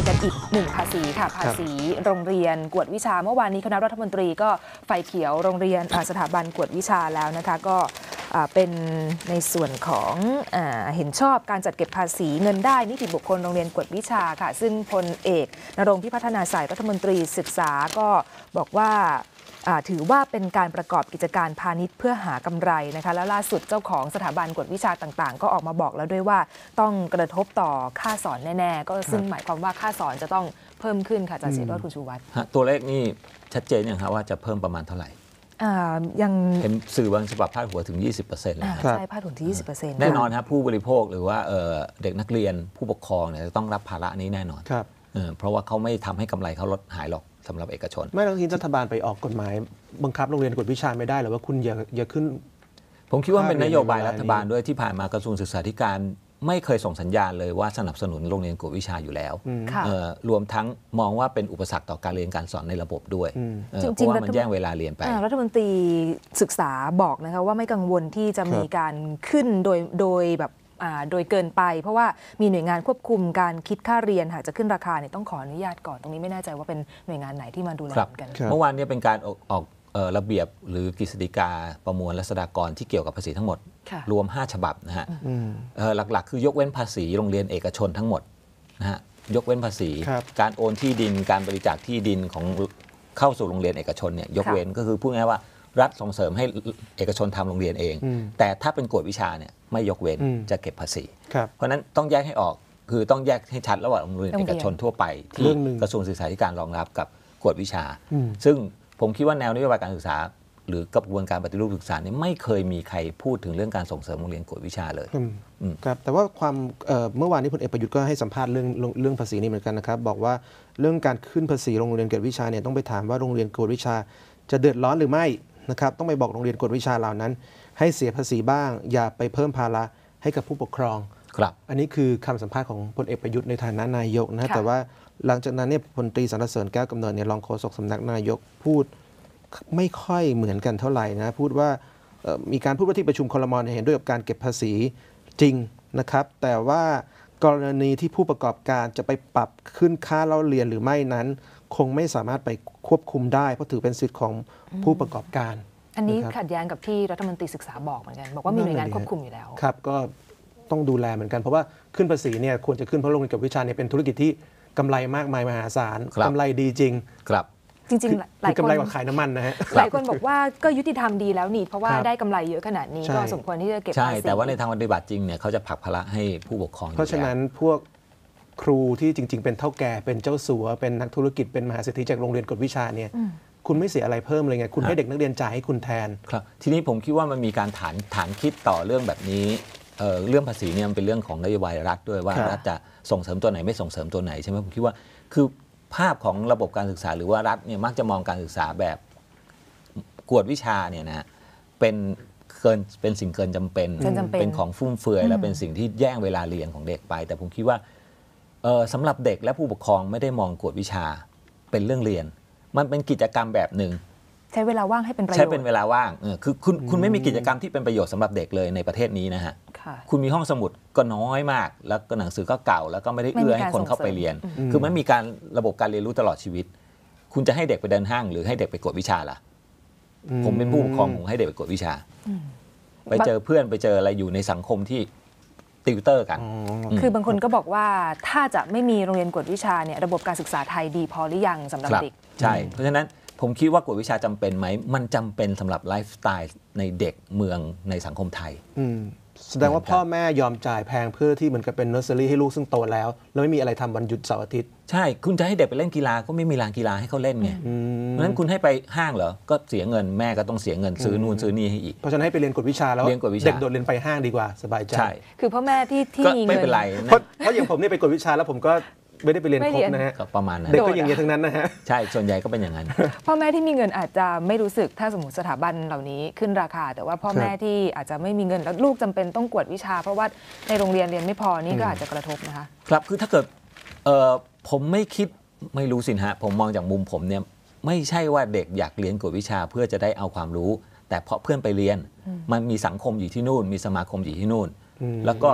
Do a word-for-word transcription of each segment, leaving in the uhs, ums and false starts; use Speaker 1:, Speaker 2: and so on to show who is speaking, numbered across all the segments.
Speaker 1: กันอีกหนึ่งภาษีค่ะภาษีโรงเรียนกวดวิชาเมื่อวานนี้คณะรัฐมนตรีก็ไฟเขียวโรงเรียนสถาบันกวดวิชาแล้วนะคะก็เป็นในส่วนของเห็นชอบการจัดเก็บภาษีเงินได้นิติบุคคลโรงเรียนกวดวิชาค่ะซึ่งพลเอกณรงค์พิพัฒนาสายรัฐมนตรีศึกษาก็บอกว่าถือว่าเป็นการประกอบกิจการพาณิชย์เพื่อหากำไรนะคะแล้วล่าสุดเจ้าของสถาบันกวดวิชาต่างๆก็ออกมาบอกแล้วด้วยว่าต้องกระทบต่อค่าสอนแน่ๆก็ซึ่งหมายความว่าค่าสอนจะต้องเพิ่มขึ้นค่ะอาจารย์เสรีคุณชูวัฒน์
Speaker 2: ตัวเลขนี่ชัดเจนอย่างครับว่าจะเพิ่มประมาณเท่าไหร่
Speaker 1: ยัง
Speaker 2: เห็นสื่อบางฉบับพาดหัวถึง ยี่สิบเปอร์เซ็นต์ เลย
Speaker 1: ใช่พาดหัวถึง ยี่สิบเปอร์เซ็นต์
Speaker 2: แน่นอนครับผู้บริโภคหรือว่าเด็กนักเรียนผู้ปกครองเนี่ยจะต้องรับภาระนี้แน่นอนเพราะว่าเขาไม่ทำให้กำไรเขาลดหายหรอกสำหรับเอกชน
Speaker 3: ไม่ต้องทีรัฐบาลไปออกกฎหมายบังคับโรงเรียนกวดวิชาไม่ได้หรือว่าคุณอย่าอย่าขึ้น
Speaker 2: ผมคิดว่าเป็นนโยบายรัฐบาลด้วยที่ผ่านมากระทรวงศึกษาธิการไม่เคยส่งสัญญาณเลยว่าสนับสนุนโรงเรียนกวดวิชาอยู่แล้วรวมทั้งมองว่าเป็นอุปสรรคต่อการเรียนการสอนในระบบด้วยเพราะว่ามันแย่งเวลาเรียนไป
Speaker 1: รัฐมนตรีศึกษาบอกนะคะว่าไม่กังวลที่จะมีการขึ้นโดยโดยแบบโดยเกินไปเพราะว่ามีหน่วยงานควบคุมการคิดค่าเรียนหากจะขึ้นราคาเนี่ยต้องขออนุญาตก่อนตรงนี้ไม่แน่ใจว่าเป็นหน่วยงานไหนที่มาดูแลกัน
Speaker 2: เมื่อวานนี้เป็นการออกออกระเบียบหรือกฤษฎีกาประมวลรัษฎากรที่เกี่ยวกับภาษีทั้งหมดรวมห้าฉบับนะฮะหลักๆคือยกเว้นภาษีโรงเรียนเอกชนทั้งหมดนะฮะยกเว้นภาษีการโอนที่ดินการบริจาคที่ดินของเข้าสู่โรงเรียนเอกชนเนี่ยยกเว้นก็คือพูดง่ายๆว่ารัฐส่งเสริมให้เอกชนทำโรงเรียนเองแต่ถ้าเป็นกวดวิชาเนี่ยไม่ยกเว้นจะเก็บภาษีเพราะนั้นต้องแยกให้ออกคือต้องแยกให้ชัดระหว่างโรงเรียนเอกชนทั่วไปที่กระทรวงศึกษาธิการรองรับกับกวดวิชาซึ่งผมคิดว่าแนวนโยบายการศึกษาหรือกระบวนการปฏิรูปศึกษาเนี่ยไม่เคยมีใครพูดถึงเรื่องการส่งเสริมโรงเรียนกวดวิชาเลย
Speaker 3: ครับแต่ว่าความเมื่อวานนี้พลเอกประยุทธ์ก็ให้สัมภาษณ์เรื่องเรื่องภาษีนี้เหมือนกันนะครับบอกว่าเรื่องการขึ้นภาษีโรงเรียนกวดวิชาเนี่ยต้องไปถามว่าโรงเรียนกวดวิชาจะเดือดร้อนหรือไม่นะครับต้องไปบอกโรงเรียนกวดวิชาเหล่านั้นให้เสียภาษีบ้างอย่าไปเพิ่มภาระให้กับผู้ปกครอง
Speaker 2: ครับ
Speaker 3: อันนี้คือคำสัมภาษณ์ของพลเอกประยุทธ์ในฐานะนายกนะแต่ว่าหลังจากนั้นเนี่ยพลตรีสรรเสริญแก้วกำเนิดเนี่ยรองโฆษกสำนักนายกพูดไม่ค่อยเหมือนกันเท่าไหร่นะพูดว่ามีการพูดว่าที่ประชุมครม.เห็นด้วยกับการเก็บภาษีจริงนะครับแต่ว่ากรณีที่ผู้ประกอบการจะไปปรับขึ้นค่าเล่าเรียนหรือไม่นั้นคงไม่สามารถไปควบคุมได้เพราะถือเป็นสิทธิ์ของผู้ประกอบการ
Speaker 1: อันนี้ขัดแย้งกับที่รัฐมนตรีศึกษาบอกเหมือนกันบอกว่ามีหน่วยงานควบคุมอยู่แล้ว
Speaker 3: ครับก็ต้องดูแลเหมือนกันเพราะว่าขึ้นภาษีเนี่ยควรจะขึ้นเพราะโรงเรียนกวดวิชาเนี่ยเป็นธุรกิจที่กำไรมากมายมหาศาลกำไรดีจริง
Speaker 2: ครับ
Speaker 1: จริงๆหลายคน
Speaker 3: กำไรกว่าขายน้ำมันนะฮะ
Speaker 1: หลายคนบอกว่าก็ยุติธรรมดีแล้วนี่เพราะว่าได้กำไรเยอะขนาดนี้ก็สมควรที่จะเก็บภาษี
Speaker 2: ใช่แต่ว่าในทางปฏิบัติจริงเนี่ยเขาจะผลักภาระให้ผู้ปกครอง
Speaker 3: เพราะฉะนั้นพวกครูที่จริงๆเป็นเฒ่าแก่เป็นเจ้าสัวเป็นนักธุรกิจเป็นมหาเศรษฐีจากโรงเรียนกวดวิชาเนี่ยคุณไม่เสียอะไรเพิ่มเลยไงคุณให้เด็กนักเรียนจ่ายให้คุณแทน
Speaker 2: ครับทีนี้ผมคิดว่ามันมีการฐานฐานคิดต่อเรื่องแบบนี้เอ่อเรื่องภาษีเนี่ยมันเป็นเรื่องของนโยบายรัฐด้วยว่ารัฐจะส่งเสริมตัวไหนไม่ส่งเสริมตัวไหนใช่ไหมผมคิดว่าคือภาพของระบบการศึกษาหรือว่ารัฐเนี่ยมักจะมองการศึกษาแบบกวดวิชาเนี่ยนะเป็นเกินเป็นสิ่งเกินจำเป็นเป็นของฟุ่มเฟือยและเป็นสิ่งที่แย่งเวลาเรียนของเด็กไปแต่ผมคิดว่าสำหรับเด็กและผู้ปกครองไม่ได้มองกวดวิชาเป็นเรื่องเรียนมันเป็นกิจกรรมแบบหนึ่ง
Speaker 1: ใช้เวลาว่างให้เป็นประโยชน์
Speaker 2: ใช้เป็นเวลาว่างคือคุณคุณไม่มีกิจกรรมที่เป็นประโยชน์สำหรับเด็กเลยในประเทศนี้นะฮะคุณมีห้องสมุดก็น้อยมากแล้วก็หนังสือก็เก่าแล้วก็ไม่ได้เอื้อให้คนเข้าไปเรียนคือมันมีการระบบการเรียนรู้ตลอดชีวิตคุณจะให้เด็กไปเดินห้างหรือให้เด็กไปกวดวิชาล่ะผมเป็นผู้ปกครองผมให้เด็กไปกวดวิชาไปเจอเพื่อนไปเจออะไรอยู่ในสังคมที่ติวเตอร์กัน
Speaker 1: คือบางคนก็บอกว่าถ้าจะไม่มีโรงเรียนกวดวิชาเนี่ยระบบการศึกษาไทยดีพอหรือยังสำหรับเด็ก
Speaker 2: ใช่เพราะฉะนั้นผมคิดว่ากวดวิชาจำเป็นไหมมันจำเป็นสำหรับไลฟ์สไตล์ในเด็กเมืองในสังคมไทย
Speaker 3: แสดงว่าพ่อแม่ยอมจ่ายแพงเพื่อที่เหมือนกับเป็นเนอร์เซอรี่ให้ลูกซึ่งโตแล้วแล้วไม่มีอะไรทำวันหยุดเสาร์อาทิตย์
Speaker 2: ใช่คุณจะให้เด็กไปเล่นกีฬาก็ไม่มีลานกีฬาให้เขาเล่นไงเพราะฉะนั้นคุณให้ไปห้างเหรอก็เสียเงินแม่ก็ต้องเสียเงินซื้อนู่นซื้อนี่ให้อีก
Speaker 3: เพราะฉะนั้นให้ไปเรียนกวดวิชาแล้วเด็กโดดเรียนไปห้างดีกว่าสบายใจ
Speaker 2: ใช่
Speaker 1: คือพ่อแม่ที่ที่มีเงิน
Speaker 2: ไม่เป็นไร
Speaker 3: เพราะอย่างผมนี่ไปกวดวิชาแล้วผมก็ไม่ได้ไปเรียนครบนะฮะ
Speaker 2: ประมาณนั้น
Speaker 3: เด็กก็อย่างเงี้ยทั้งนั้นนะฮะ
Speaker 2: ใช่ส่วนใหญ่ก็เป็นอย่างนั้น
Speaker 1: พ่อแม่ที่มีเงินอาจจะไม่รู้สึกถ้าสมมติสถาบันเหล่านี้ขึ้นราคาแต่ว่าพ่อแม่ที่อาจจะไม่มีเงินแล้วลูกจำเป็นต้องกวดวิชาเพราะว่าในโรงเรียนเรียนไม่พอนี่ก็อาจจะกระทบนะคะ
Speaker 2: ครับคือถ้าเกิดผมไม่คิดไม่รู้สิฮะผมมองจากมุมผมเนี่ยไม่ใช่ว่าเด็กอยากเรียนกวดวิชาเพื่อจะได้เอาความรู้แต่เพราะเพื่อนไปเรียนมันมีสังคมอยู่ที่นู่นมีสมาคมอยู่ที่นู่นแล้วก็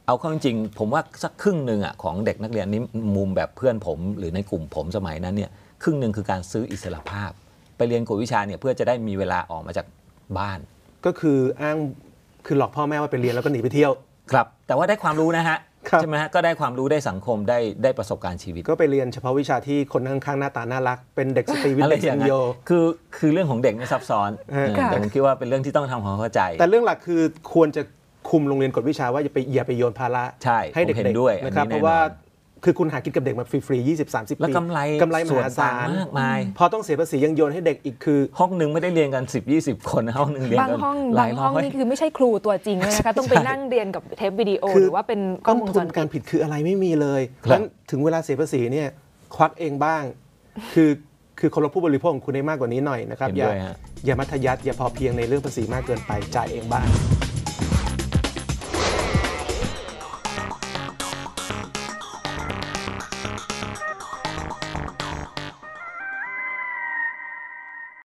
Speaker 2: เอาเข้าจริงๆผมว่าสักครึ่งหนึ่งอ่ะของเด็กนักเรียนนี้มุมแบบเพื่อนผมหรือในกลุ่มผมสมัยนั้นเนี่ยครึ่งหนึ่งคือการซื้ออิสรภาพไปเรียนกวดวิชาเนี่ยเพื่อจะได้มีเวลาออกมาจากบ้าน
Speaker 3: ก็คืออ้างคือหลอกพ่อแม่ว่าไปเรียนแล้วก็หนีไปเที่ยว
Speaker 2: ครับแต่ว่าได้ความรู้นะฮะใช่ไหมฮะก็ได้ความรู้ได้สังคมได้ได้ประสบการณ์ชีวิต
Speaker 3: ก็ไปเรียนเฉพาะวิชาที่คนข้างๆหน้าตาน่ารักเป็นเด็กสตรีวิทย์เด็กสัญโย
Speaker 2: คือคือเรื่องของเด็กไม่ซับซ้อนแต่ผมคิดว่าเป็นเรื่องที่ต้องทำความเข้าใจ
Speaker 3: แต่เรื่องหลักคือควรจะคุมโรงเรียนกฎวิชาว่าอย่าไปอย่าไปโยนภาระให้เด็กๆด้วยนะครับเพราะว่าคือคุณหากินกับเด็กมาฟรีๆยี่สิบ สามสิบ ปี
Speaker 2: แล้วกำไร
Speaker 3: กำไรมหาศาล
Speaker 2: มากมาย
Speaker 3: พอต้องเสียภาษียังโยนให้เด็กอีกคือ
Speaker 2: ห้องนึงไม่ได้เรียนกันสิบ ยี่สิบคนห้องนึงเรียนกัน
Speaker 1: บางห้องบางห้องนี่คือไม่ใช่ครูตัวจริงเลยนะคะต้องไปนั่งเรียนกับเทปวิดีโอหรือว่าเป็น
Speaker 3: กล้องวงจรปิดการผิดคืออะไรไม่มีเลยงั้นถึงเวลาเสียภาษีเนี่ยควักเองบ้างคือคือคนเราผู้บริโภคของคุณได้มากกว่านี้หน่อยนะครับอย่าอย่ามัธยัสถ์อย่าพอเพียงในเรื่องภาษีมากเกินไปจ่ายเองบ้าง